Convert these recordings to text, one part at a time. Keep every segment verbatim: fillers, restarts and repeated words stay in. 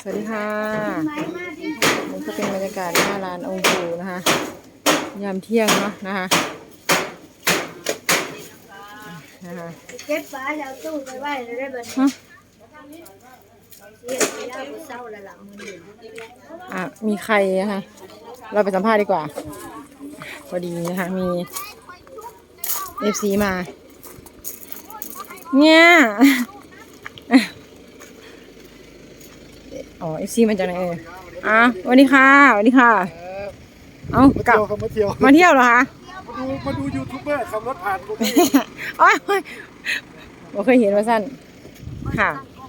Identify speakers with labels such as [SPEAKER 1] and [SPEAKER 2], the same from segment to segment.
[SPEAKER 1] สวัสดีค่ะนี่ก็เป็นบรรยากาศหน้าร้านองค์ปู่นะคะยามเที่ยงเนาะนะคะนะคะ
[SPEAKER 2] เก็บปลาแล้วตู้ไปไว้เลยได้บัดนี้
[SPEAKER 1] ฮะ
[SPEAKER 2] เรียกไปยาบ่เศร้าแล้วล่ะมื้อนี้
[SPEAKER 1] อ่ะมีใครนะคะเราไปสัมภาษณ์ดีกว่าพอดีนะคะมีเอฟซีมาเนี่ยอ๋อเอฟซีมาจากไหนเอออ่ะสวัสดีค่ะสวัสดีค่ะเอ้า
[SPEAKER 3] มา
[SPEAKER 1] กลั
[SPEAKER 3] เที่
[SPEAKER 1] บ
[SPEAKER 3] ยวครับมาเที่ยว
[SPEAKER 1] มาเที่ยวเหรอคะ
[SPEAKER 3] มาดูมาดูยูทูบเบอร์ขับรถผ่านตรงนี้
[SPEAKER 1] อ๋อไม่เคยเห็นมาสั้นค่ะ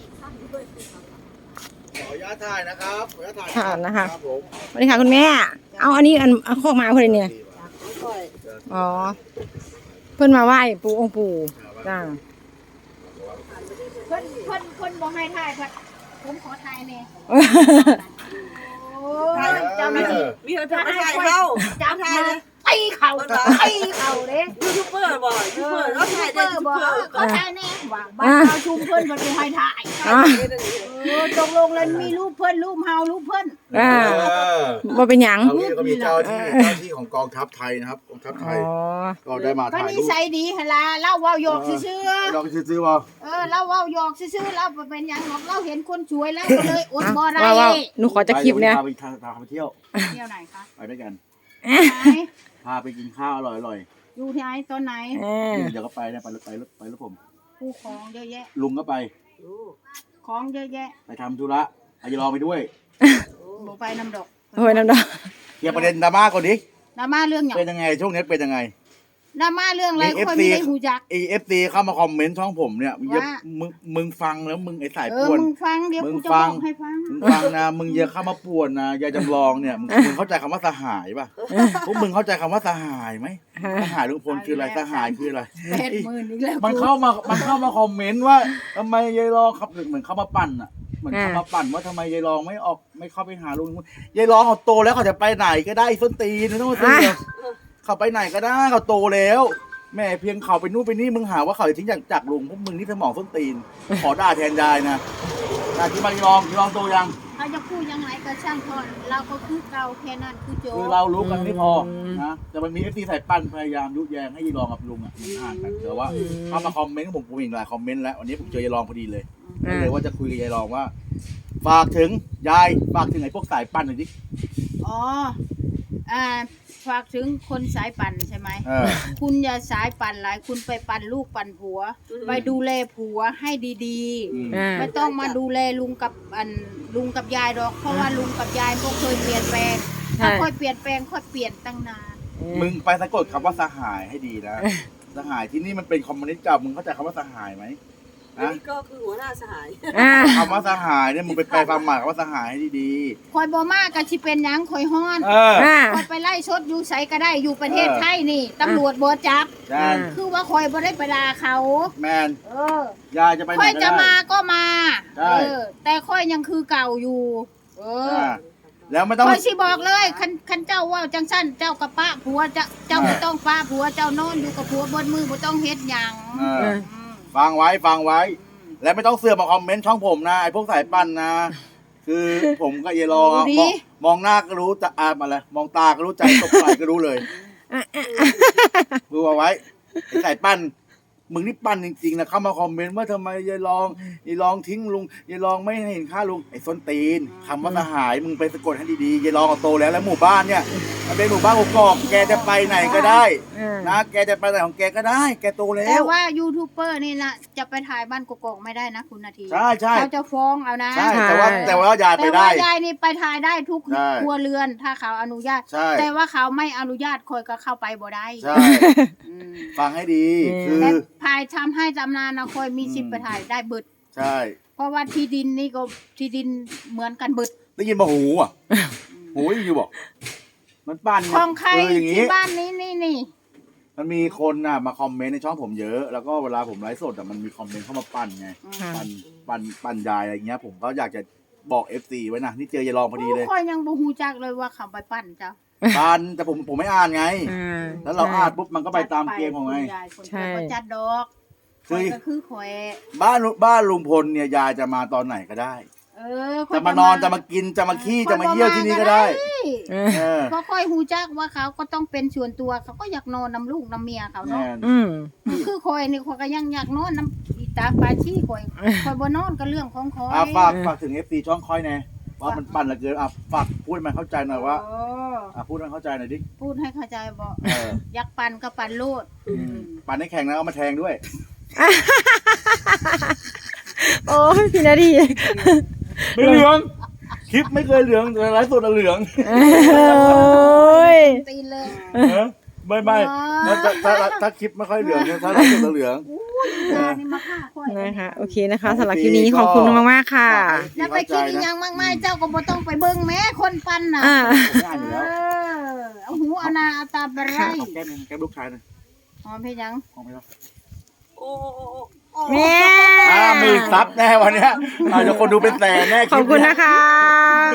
[SPEAKER 3] ขออนุญาตถ่ายนะครับขออนุญาตถ่าย
[SPEAKER 1] ค่ะนะคะ
[SPEAKER 3] ครับผม
[SPEAKER 1] สวัสดีค่ะคุณแม่ เอาอันนี้อันเอาข้อมาคนเนี่ยอ๋อเพิ่นมาไหว้ปู่องค์ปู่จ้า
[SPEAKER 2] เพิ่นเพิ่นเพิ่นบ่ให้ถ่ายพัดผมขอถ่ายแน่โอ้ยเจ้าหน้าที่
[SPEAKER 4] มีคนทำอะไรเข้า
[SPEAKER 2] จับมาตีเข่าตีเข่าเด้
[SPEAKER 4] ยูทูบเบอร์บ่อยยูทูบเบอร์เขาถ่ายได้
[SPEAKER 2] เบอ
[SPEAKER 4] ยู
[SPEAKER 2] ร์
[SPEAKER 4] ทู
[SPEAKER 2] บ่
[SPEAKER 4] บเบอร์
[SPEAKER 2] ขอถ่ายแน่ว่าบ้านเราชุมเพิ่นบ่ได้ให้ถ่าย
[SPEAKER 1] อ่า
[SPEAKER 2] เออตกลงแล้วมีรูปเพิ่นรูปเฮารูปเพิ่น
[SPEAKER 1] อ่า
[SPEAKER 3] เออ
[SPEAKER 1] บ่เป็นหยัง
[SPEAKER 3] ตอนนี้ก็มีเจ้าที่เจ้าที่ของกองทัพไทยนะครับกองทัพไท
[SPEAKER 1] อ๋
[SPEAKER 3] ย
[SPEAKER 1] อ
[SPEAKER 3] ก็ได้มา
[SPEAKER 2] ก็
[SPEAKER 3] ถ่าย
[SPEAKER 2] นิ
[SPEAKER 3] รูป
[SPEAKER 2] สัยดีหั่นล่ะเล่าเว้าหยอกซื่อ
[SPEAKER 3] ลองซื้อๆว่า
[SPEAKER 2] ๆเออเล่าเว้าหยอกซื่อๆเล่าบ่เป็นหยังหรอกเราเห็นคนสวยแล้วก็เลยอดบ่ได้
[SPEAKER 1] ว้าวว้าวหนูขอจะคลิปเนี่ย
[SPEAKER 3] พาไปทางพาไปเที่ยว
[SPEAKER 2] เที่ยวไหนคะ
[SPEAKER 3] ไปด้วยกัน
[SPEAKER 2] ไหน
[SPEAKER 3] พาไปกินข้าวอร่อย
[SPEAKER 2] อยู่ที่ไหนตอนไหน
[SPEAKER 1] เออ
[SPEAKER 3] ๆเดี๋ยวก็ไปนะไปรถไปรถไปรถผม
[SPEAKER 2] ผู้ของเยอะแยะ
[SPEAKER 3] ลุงก็ไป
[SPEAKER 2] ของเยอะแยะ
[SPEAKER 3] ไปทำธุระอายุรอไปด้วย
[SPEAKER 2] บ่ไปน้ำดอก
[SPEAKER 1] โอ้ยน้ำดอก
[SPEAKER 3] เคลียร์ประเด็นดราม่าก่อนดิ
[SPEAKER 2] ดราม่าเรื่องหยัง
[SPEAKER 3] เป็นยังไงช่วงนี้เป็นยังไง
[SPEAKER 2] ดราม่าเรื่องอะไร
[SPEAKER 3] มี
[SPEAKER 2] ค่อย
[SPEAKER 3] เอฟซี
[SPEAKER 2] ไม่ได้หูจัก
[SPEAKER 3] เอฟซีเข้ามาคอมเมนต์ช่องผมเนี่ยมึงอย่า
[SPEAKER 2] ว่า
[SPEAKER 3] มึงมึงฟังแล้วมึงไอ้สาย
[SPEAKER 2] เอ
[SPEAKER 3] ป่
[SPEAKER 2] อ
[SPEAKER 3] วน
[SPEAKER 2] มึงฟังเดี๋ยว
[SPEAKER 3] มึง
[SPEAKER 2] กูจะ
[SPEAKER 3] ฟั
[SPEAKER 2] บ
[SPEAKER 3] ง
[SPEAKER 2] อกให้ฟัง
[SPEAKER 3] มึงฟังนะมึงอย่าเข้ามาป่วนนะยายจำลองเนี่ยมึงมึงเข้าใจคำว่าสหายป่ะพวกมึงเข้าใจคำว่าสหายไหมสหายลุงพลคืออะไรสหายคืออะไร
[SPEAKER 2] แปดหมื่นอีกแล้ว
[SPEAKER 3] มันเข้ามามันเข้ามาคอมเมนต์ว่าทำไมยายรองครับเหมือนเข้ามาปั่นอ่ะเหมือนเข้ามาปั่นว่าทำไมยายรองไม่ออกไม่เข้าไปหาลุงยายรองเขาโตแล้วเขาจะไปไหนก็ได้ส้นตีนไม่ต้องมาซื้อเขาไปไหนก็ได้เขาโตแล้วแม่เพียงเขาไปนู่นไปนี่มึงหาว่าเขาจะทิ้งจากจากลุงพวกมึงนี่สมองส้นตีน ขอด่าแทนยายนะด่าที่มายายรองยายรองโตยัง
[SPEAKER 2] เขาจะพูดยังไงก็ช่างทอนเราก็คือเก่าแค่นั้นคือโจ
[SPEAKER 3] คือเรารู้กันไม่พอนะแต่มันมีเอฟซีสายปั้นพยายามยุแยงให้ยายรองกับลุงอ่ะมันห่างกันแต่ว่าเข้ามาคอมเมนต์ผมผมเห็นหลายคอมเมนต์แล้ววันนี้ผมเจอยายรองพอดีเลยก็เลยว่าจะคุยกับยายรองว่า ฝากถึงยายฝากถึงไอ้พวกสายปั้นหน่อยดิ
[SPEAKER 2] อ๋ออ่าฝากถึงคนสายปั่นใช่ไหม
[SPEAKER 3] เออ
[SPEAKER 2] คุณอย่าสายปั่นหลายคุณไปปั่นลูกปั่นผัว ไปดูแลผัวให้ดี
[SPEAKER 3] อืม
[SPEAKER 1] อ่า
[SPEAKER 2] ๆ ไม่ต้องมาดูแลลุงกับอันลุงกับยายดอก เพราะว่าลุงกับยายก็เคยเปลี่ยนแปลงถ้าค่อยเปลี่ยนแปลงค่อยเปลี่ยนตั้งนาน
[SPEAKER 3] มึงไปสะกดคำว่าสหายให้ดีนะ สหายที่นี่มันเป็นคอมมิวนิสต์เก่ามึงเข้าใจคำว่าสหายไหมนะ
[SPEAKER 4] นี่ก็คือหัวหน้าสหาย
[SPEAKER 1] อ่า
[SPEAKER 3] คำว่าสหายเนี่ยมึงไปแปลความหมายคำว่าสหายให้ดี
[SPEAKER 2] คอยบ่มากก็สิเป็นหยังคอยฮ้อน
[SPEAKER 3] ๆเออ
[SPEAKER 1] อ่า
[SPEAKER 2] คอยไปไล่ชดอยู่ไสก็ได้อยู่ประเทศ
[SPEAKER 3] เออ
[SPEAKER 2] ไทยนี่ตำรวจบ่จับ
[SPEAKER 3] จาน
[SPEAKER 2] คือว่าคอยบ่ได้ไปด่าเขา
[SPEAKER 3] แมน
[SPEAKER 2] เออ
[SPEAKER 3] ยายจะไปไหน
[SPEAKER 2] ค่อย
[SPEAKER 3] ก็
[SPEAKER 2] จะ
[SPEAKER 3] ได้
[SPEAKER 2] มาก็มา
[SPEAKER 3] ใช่
[SPEAKER 2] เออ แต่ค่อยยังคือเก่าอยู่ เออ
[SPEAKER 3] อ่าแล้วไม่ต้อง
[SPEAKER 2] ค่อยสิบอกเลยคันคันเจ้าว่าจังสั้นเจ้ากับป้าผัวเจ้าเจ้าไม่ต้องป้าผัวเจ้านอนอยู่กับผัวบนมือบ่ต้องเฮ็ดหยัง
[SPEAKER 3] เออ
[SPEAKER 2] อืม
[SPEAKER 3] ฟังไว้ฟังไว้ แล้วไม่ต้องเสือกมาคอมเมนต์ช่องผมนะไอ้พวกสายปั้นนะ คือผมกับเยลองอะมองมองหน้าก็รู้จะอ่านมาเลยมองตาก็รู้ใจตบไหล่ก็รู้เลยดูเอาไว้ไอ้สายปั้นมึงนี่ปั้นจริงๆนะเข้ามาคอมเมนต์ว่าทำไมยายรองยายรองทิ้งลุงยายรองไม่ให้เห็นค่าลุงไอ้ส้นตีนคำว่าสหายมึงไปสะกดให้ดีๆยายรองก็โตแล้วแล้วหมู่บ้านเนี่ยมันเป็นหมู่บ้านกอกๆแกจะไปไหนก็ได้
[SPEAKER 1] อ่า
[SPEAKER 3] นะแกจะไปไหนของแกก็ได้ แกโตแล้
[SPEAKER 2] แต่
[SPEAKER 3] ว
[SPEAKER 2] ว่ายูทูบเบอร์นี่นะจะไปถ่ายบ้านกกๆไม่ได้นะคุณนาที
[SPEAKER 3] ใช่ใช่
[SPEAKER 2] เขาจะฟ้องเอานะ
[SPEAKER 3] ใช่แต่ว่าแต่ว่ายายไป
[SPEAKER 2] แต่
[SPEAKER 3] ได้
[SPEAKER 2] ว่ายายนี่ไปถ่ายได้ทุก
[SPEAKER 3] ใช่
[SPEAKER 2] ครัวเรือนถ้าเขาอนุญาต
[SPEAKER 3] ใช่
[SPEAKER 2] แต่ว่าเขาไม่อนุญาตคอยก็เข้าไปบ่ได้
[SPEAKER 3] ใช่
[SPEAKER 2] อืม
[SPEAKER 3] ฟังให้ดี
[SPEAKER 1] อืม
[SPEAKER 3] คือ
[SPEAKER 2] และภายทำให้จำนานนะคอยมีสิทธิ์ไปถ่ายได้เบิด
[SPEAKER 3] ใช่
[SPEAKER 2] เพราะว่าที่ดินนี่ก็ที่ดินเหมือนกันเบิด
[SPEAKER 3] ได้ยินมาหูอ่ะหูอยู่บอก มันปั้น
[SPEAKER 2] ของใคร
[SPEAKER 3] เอออย่าง
[SPEAKER 2] ที่
[SPEAKER 3] นี้
[SPEAKER 2] บ้านนี้นี่นี่
[SPEAKER 3] มันมีคนน่ะมาคอมเมนต์ในช่องผมเยอะ แล้วก็เวลาผมไลฟ์สดอ่ะมันมีคอมเมนต์เข้ามาปั้นไง
[SPEAKER 1] ค่ะ
[SPEAKER 3] ปั้นปั้นปั้นยายอะไรเงี้ย ผมก็อยากจะบอกเอฟซีไว้นะนี่เจอยายรองพอดีเลย
[SPEAKER 2] คอยยังบ่ฮู้จักเลยว่าเขาไปปั้นเจ้า
[SPEAKER 3] ปั้นแต่ผมผมไม่อ่านไง
[SPEAKER 1] อ่า
[SPEAKER 3] แล้วเราอ่านปุ๊บมันก็ไปตามเกมของไง
[SPEAKER 2] คุณยายคน
[SPEAKER 1] ใช่
[SPEAKER 2] เดียวก็จัดดอก
[SPEAKER 3] คือ
[SPEAKER 2] ข้อยก็คือข่อย
[SPEAKER 3] บ้านบ้านลุงพลเนี่ยยายจะมาตอนไหนก็ได้
[SPEAKER 2] เออค่ย
[SPEAKER 3] จะมานอนจะมากินจะมาขี้จะมาเยี่ยวที่นี่ก็ได้
[SPEAKER 1] เออ
[SPEAKER 3] เออ
[SPEAKER 2] เขาค่อยหูจักว่าเขาก็ต้องเป็นส่วนตัวเขาก็อยากนอนน้ำลูกน้ำเมียเขาเนาะ
[SPEAKER 3] แม่น
[SPEAKER 1] อืม
[SPEAKER 2] คือคอยนี่คอยก็ยังอยากนอนน้ำอีตาปลาชี้คอยคอยบ่นอนก็เรื่องของคอย
[SPEAKER 3] อ่ะฝากฝากถึง เอฟ ซี ช่องค่อยแน่ว่ามันปั่นเหลือเกินอ่ะฝากพูดให้มันเข้าใจหน่อยว่า
[SPEAKER 2] โอ้
[SPEAKER 3] อ่ะพูดให้มันเข้าใจหน่อยดิ
[SPEAKER 2] พูดให้เข้าใจบ่
[SPEAKER 3] เออ
[SPEAKER 2] อยากปั่นก็ปั่นโลด
[SPEAKER 3] อืมปั่นให้แข่งนะเอามาแทงด้วย
[SPEAKER 1] โอ้ยพี่นาดี
[SPEAKER 3] ไม่เหลืองคลิปไม่เคยเหลืองแต่ไลฟ์สดอะเหลือง
[SPEAKER 1] โอ้ย
[SPEAKER 2] ตีนเลย
[SPEAKER 3] ฮะไม่ไม่
[SPEAKER 2] อ๋อ
[SPEAKER 3] ถ้าถ้าถ้าถ้าคลิปไม่ค่อยเหลืองเนี่ยถ้าไลฟ์สดอะเหลือง
[SPEAKER 2] ตานี่มาฆ่าคอย
[SPEAKER 1] นะคะโอเคนะคะสำหรับคลิปนี้ขอบคุณมากๆค่ะ
[SPEAKER 2] แล้วไปคิดอีหยังมากมายเจ้าก็บ่ต้องไปเบิ่งแม้คนปั่นน่ะ
[SPEAKER 1] อ่า
[SPEAKER 3] ง่ายอยู่
[SPEAKER 2] เอ
[SPEAKER 3] แล้ว
[SPEAKER 2] อเอาหูเอาหนาเอาตาไปไร
[SPEAKER 3] เอาแก้มหนึ่งแก้มลูกชายหน่อย
[SPEAKER 2] หอมเพียงยัง
[SPEAKER 3] เอาไหมล่ะ
[SPEAKER 4] โอ้โอ้โอ้
[SPEAKER 1] แม่
[SPEAKER 3] ห้าหมื่นซับแน่วันเนี้ยอาจจะคนดูเป็นแสนแน่
[SPEAKER 1] ขอบคุณนะคะ